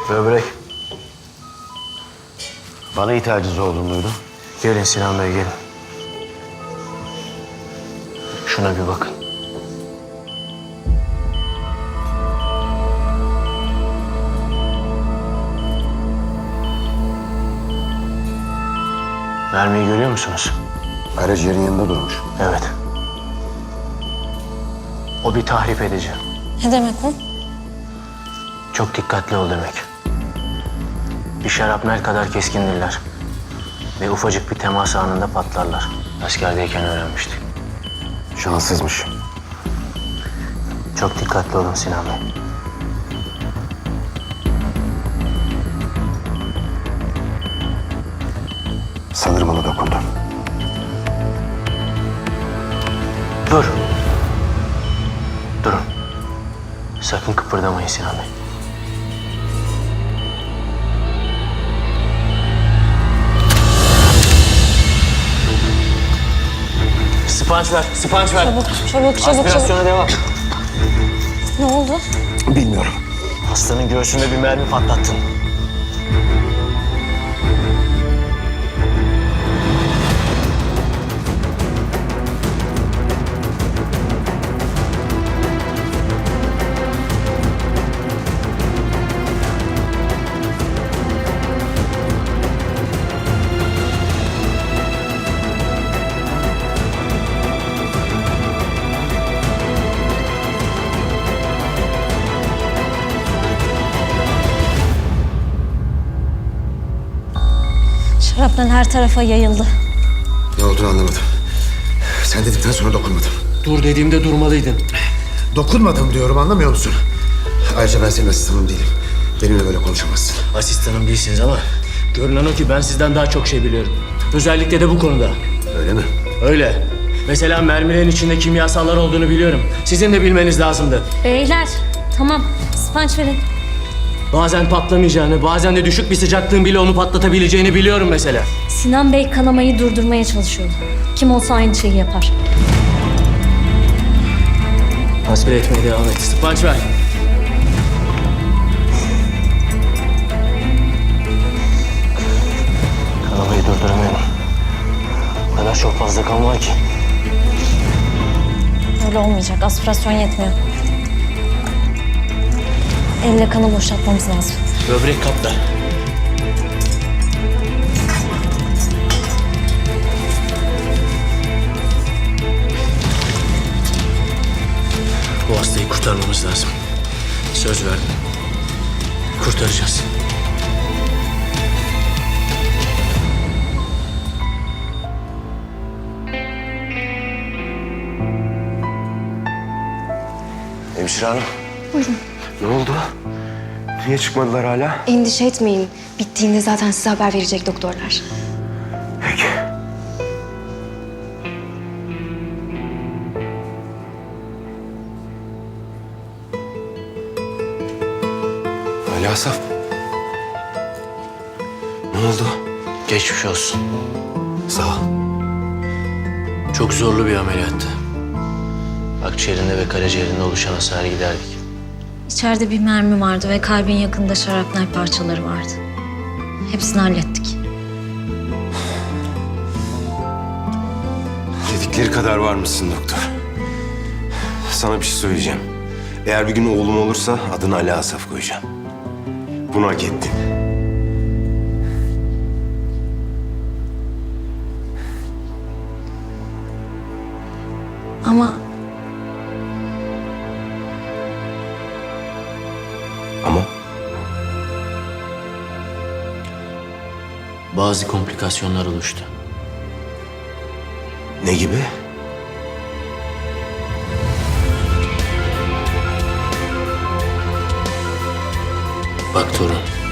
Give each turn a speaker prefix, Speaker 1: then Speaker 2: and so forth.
Speaker 1: Böbrek.
Speaker 2: Bana ihtiyacınız olduğunu duydum.
Speaker 1: Gelin Sinan Bey, gelin. Şuna bir bakın. Mermiyi görüyor musunuz?
Speaker 2: Karaciğerin yanında durmuş.
Speaker 1: Evet. O bir tahrip edici.
Speaker 3: Ne demek o?
Speaker 1: Çok dikkatli ol demek. Bir şarapnel kadar keskindirler. Ve ufacık bir temas anında patlarlar. Askerdeyken öğrenmiştik.
Speaker 2: Şanssızmış.
Speaker 1: Çok dikkatli olun Sinan Bey.
Speaker 2: Sanırım ona dokundu.
Speaker 1: Dur. Durun. Sakın kıpırdamayın Sinan Bey. Sponç ver, sponç ver.
Speaker 3: Çabuk.
Speaker 1: Aspirasyona devam.
Speaker 3: Ne oldu?
Speaker 2: Bilmiyorum.
Speaker 1: Hastanın göğsünde bir mermi patlattın.
Speaker 3: Şaraptan her tarafa yayıldı.
Speaker 2: Ne olduğunu anlamadım. Sen dedikten sonra dokunmadım.
Speaker 4: Dur dediğimde durmalıydın.
Speaker 2: Dokunmadım diyorum, anlamıyor musun? Ayrıca ben senin asistanın değilim. Benimle böyle konuşamazsın.
Speaker 4: Asistanım değilsiniz ama görünen o ki ben sizden daha çok şey biliyorum. Özellikle de bu konuda.
Speaker 2: Öyle mi?
Speaker 4: Öyle. Mesela mermilerin içinde kimyasallar olduğunu biliyorum. Sizin de bilmeniz lazımdı.
Speaker 3: Beyler, tamam. Sponç verin.
Speaker 4: Bazen patlamayacağını, bazen de düşük bir sıcaklığın bile onu patlatabileceğini biliyorum mesela.
Speaker 3: Sinan Bey kanamayı durdurmaya çalışıyordu. Kim olsa aynı şeyi yapar.
Speaker 4: Aspire etmeye devam et. Sponç ver.
Speaker 1: Kanamayı durduramıyorum. O kadar çok fazla kan var ki.
Speaker 3: Öyle olmayacak. Aspirasyon yetmiyor. Elle kanı boşaltmamız lazım.
Speaker 4: Böbrek kapta. Bu hastayı kurtarmamız lazım. Söz verdim. Kurtaracağız.
Speaker 2: Hemşire hanım. Buyurun. Ne oldu? Niye çıkmadılar hala?
Speaker 5: Endişe etmeyin. Bittiğinde zaten size haber verecek doktorlar.
Speaker 2: Peki. Ali Asaf. Ne oldu?
Speaker 1: Geçmiş olsun.
Speaker 2: Sağ ol.
Speaker 1: Çok zorlu bir ameliyattı. Akciğerinde ve karaciğerinde oluşan hasarı giderdik.
Speaker 3: İçeride bir mermi vardı ve kalbin yakında şarapnel parçaları vardı. Hepsini hallettik.
Speaker 6: Dedikleri kadar var mısın doktor? Sana bir şey söyleyeceğim. Eğer bir gün oğlum olursa adını Ali Asaf koyacağım. Bunu hak ettin.
Speaker 3: Ama
Speaker 6: Ama
Speaker 1: Bazı komplikasyonlar oluştu.
Speaker 6: ne gibi?
Speaker 1: Bak torun,